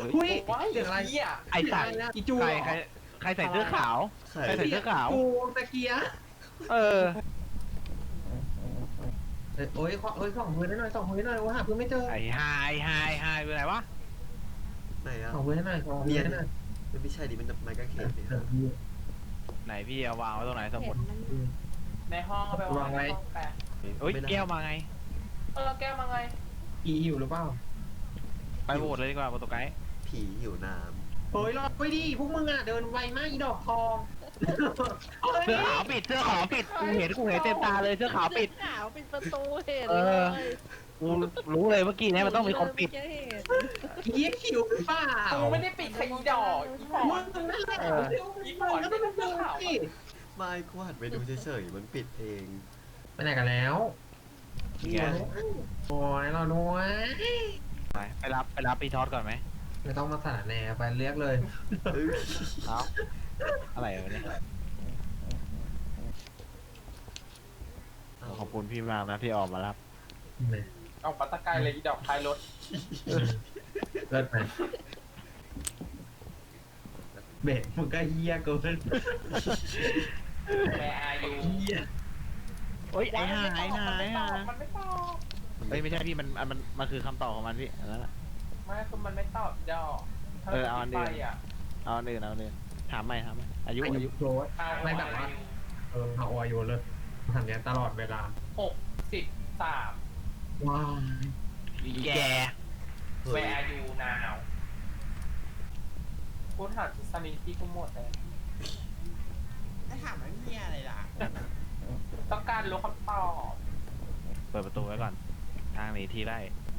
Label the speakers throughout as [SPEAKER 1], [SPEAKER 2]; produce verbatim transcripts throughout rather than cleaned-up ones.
[SPEAKER 1] อุ้ย
[SPEAKER 2] ว้าย
[SPEAKER 1] เสียงอะไร
[SPEAKER 2] เหี้ย
[SPEAKER 3] ไอ้สัตว์
[SPEAKER 1] อีจู
[SPEAKER 3] ใคร
[SPEAKER 1] เหรอ
[SPEAKER 3] ใครใครใส่เสื้อขาว
[SPEAKER 4] ใคร
[SPEAKER 3] ใครใส่เสื้อขาว
[SPEAKER 1] กูตะเกียบ
[SPEAKER 3] เออ
[SPEAKER 1] เอ้ยโอ้ยขอเอ้ยส่องพื้นให้หน่อยส่องพื้นให้หน่อยว่าหาพื้นไม่เจอ
[SPEAKER 3] ไอ้ไฮไฮไฮเป็นไรวะ
[SPEAKER 4] ไหนอะ
[SPEAKER 1] ส่องพื้นให้หน่อยส่องพื้นให้หน่อย
[SPEAKER 4] มันไม่ใช่ดิมันไม้กางเขนเนี่ย
[SPEAKER 1] เออ
[SPEAKER 3] ไหนพี่เอาวางไว้ตรงไหนสมุด
[SPEAKER 2] ในห้องเอาไปวาง
[SPEAKER 1] วางไว้
[SPEAKER 2] ในห้องแปะ
[SPEAKER 3] เอ้ยแก้วมาไง
[SPEAKER 2] เออแก้วมาไง
[SPEAKER 1] อีหิวหรือเปล่า
[SPEAKER 3] ไปโหวตเลยดีกว่าโปรโตไกด์
[SPEAKER 4] ผีหิวน้
[SPEAKER 1] เฮ้ยรอไปดิพวกมึงอ่ะเดินไวมากอีดอกทองเฮ้ย
[SPEAKER 3] เสื้อขาวปิดเสื้อขาวปิดกูเห็นกูเห็นเต็มตาเลยเสื้อขาวปิด
[SPEAKER 5] ขาวปิดประตูเห็น
[SPEAKER 3] เอ
[SPEAKER 5] เล
[SPEAKER 3] อย กูรู้เลยเมื่อกี้เนี้มันต้องมีคนปิด
[SPEAKER 5] เมื่อกี้เห็น
[SPEAKER 1] เยี่ยหิวหรือเปล่า
[SPEAKER 2] กูไม่ได้ปิดใครอีดอกอีปอ
[SPEAKER 1] มึ
[SPEAKER 2] ด
[SPEAKER 1] งนั่นแหละ
[SPEAKER 3] เออ
[SPEAKER 1] อีปอนก็ต้องเป็นเรื่องสิ
[SPEAKER 4] ำไม่กูหันไปดูเฉยๆมันปิดเอง
[SPEAKER 1] ไปไหนกันแล้ว
[SPEAKER 3] ไง
[SPEAKER 1] โอ้ยเราด้วย
[SPEAKER 3] ไปไปรับไปรับพี่ทอดก่อนไหม
[SPEAKER 1] ไม่ต้องมาสารแหน่ไปเรียกเลย
[SPEAKER 4] เอ้ย
[SPEAKER 3] เอาอะไรวะเนี่ยขอบคุณพี่มากนะที่ออกมารับ
[SPEAKER 2] เอาปัตตะไกายเลยอีดอกท้ายรถ
[SPEAKER 1] เลิศไหมเบ็ดมึงก็เฮียเกิน
[SPEAKER 2] แม่อายุ
[SPEAKER 1] เฮีย
[SPEAKER 3] เฮ้ยไอ้ห่าไอ้ห่า
[SPEAKER 2] มัน
[SPEAKER 3] ไอ้
[SPEAKER 2] ไม่ต
[SPEAKER 3] ห่า
[SPEAKER 2] อบมันไม่ตอบ
[SPEAKER 3] เฮ้ยไม่ใช่พี่มันมันมันคือคำตอบของมันพี่อันนั้นแหละ
[SPEAKER 2] ไม่คือมันไม่ตอบดอกถ้า
[SPEAKER 3] เออเอาอันเดียว
[SPEAKER 2] ไปอ่ะ
[SPEAKER 3] เอาอันอื่นเอาอันอื่นถามใหม่ถามใหม่อายุ
[SPEAKER 1] อา
[SPEAKER 3] อา
[SPEAKER 1] ยุ
[SPEAKER 3] ยุ
[SPEAKER 1] โกรธ
[SPEAKER 2] เอา
[SPEAKER 1] ไม่แบบว่าเออเอาอายุเลยทำเนี้ยตลอดเวลา
[SPEAKER 2] หกสิบสาม
[SPEAKER 1] ว้าว
[SPEAKER 3] อีแก
[SPEAKER 4] เฮ้
[SPEAKER 2] แว
[SPEAKER 4] ย
[SPEAKER 2] ร์ยูนาวพูดหาสมิที่กูหมดเลย
[SPEAKER 6] ถ้าถามว่ามีอะไรล่ะ
[SPEAKER 2] ต้องการรู้คำตอบ
[SPEAKER 3] เปิดประตูไว้ก่อน ทางหนีทีไล่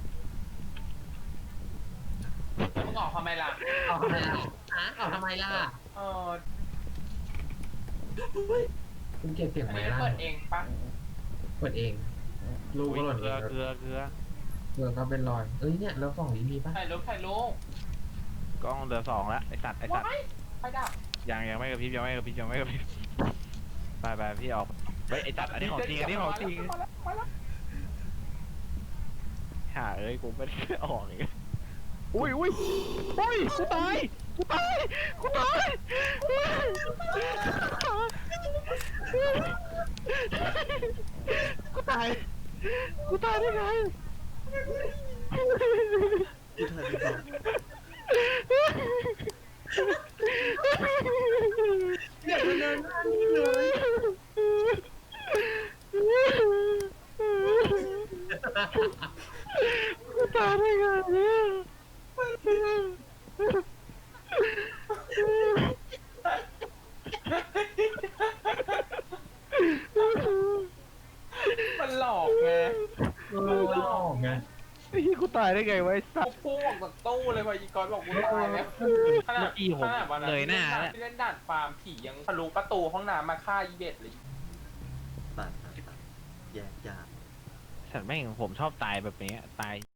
[SPEAKER 2] มึงออกทำไมล่ะ
[SPEAKER 1] เอาทำไมล่ะฮะเอาทำไมล่ะ
[SPEAKER 2] เออ
[SPEAKER 1] คุณเก็บเสียง
[SPEAKER 2] อัน
[SPEAKER 1] ไหม
[SPEAKER 2] นี้
[SPEAKER 1] ล่ะ
[SPEAKER 2] เปิดเองปะ
[SPEAKER 1] เปิดเอง ลูกก็หล่น
[SPEAKER 3] เก
[SPEAKER 1] เอ
[SPEAKER 3] ลือง เกลือเกลือ
[SPEAKER 1] เออก็เป็นรอย เอ้ยเนี่ยแล้วกล่องนี้มีปะ
[SPEAKER 2] ถ่ายรูปถ่ายรูป
[SPEAKER 3] กล้องเหลือสองแล้วไอสัตว์ไอสัตว์
[SPEAKER 2] ว้ายไฟดับ
[SPEAKER 3] ยังยังไม่กระพริบยังไม่กระพริบยังไม่กระพริบไปไปพี่ออกเฮ้ยไอสัตว์อันนี้ของจริงอันนี้ของจริง
[SPEAKER 2] มาแล้วมาแล้ว
[SPEAKER 3] ห่าเอ้ยกูไม่ได้ออกอีกอุ้ยอุ้ยอุ้ยกูตายกูตายกูตายกูตายกูตายได้ไง
[SPEAKER 4] กูทันไม่บอก
[SPEAKER 1] เดี๋ยวมันเดินหน้านี่เลย
[SPEAKER 3] กูตายได้ไงเนี่ย
[SPEAKER 2] มันหลอกไง
[SPEAKER 1] เออหลอกไง
[SPEAKER 3] ไอ้ที่กูตายได้ไงวะไอ้สั
[SPEAKER 2] กู
[SPEAKER 3] ตว์
[SPEAKER 2] พุ่งออกจากตู้เลยว่ะอีกอนบอกกูตายแล้วขนาด
[SPEAKER 3] เมื่อกี้ผม
[SPEAKER 2] ขนาดวันนั้น
[SPEAKER 3] เลยหน้าแล้ว
[SPEAKER 2] ที่เล่นด่านฟาร์มผียังทะลุประตูห้องน้ำมาฆ่าอีเบ็ดเลย
[SPEAKER 4] ตัดตัดตัดแยกยาก
[SPEAKER 3] ฉันแม่งผมชอบตายแบบนี้ตาย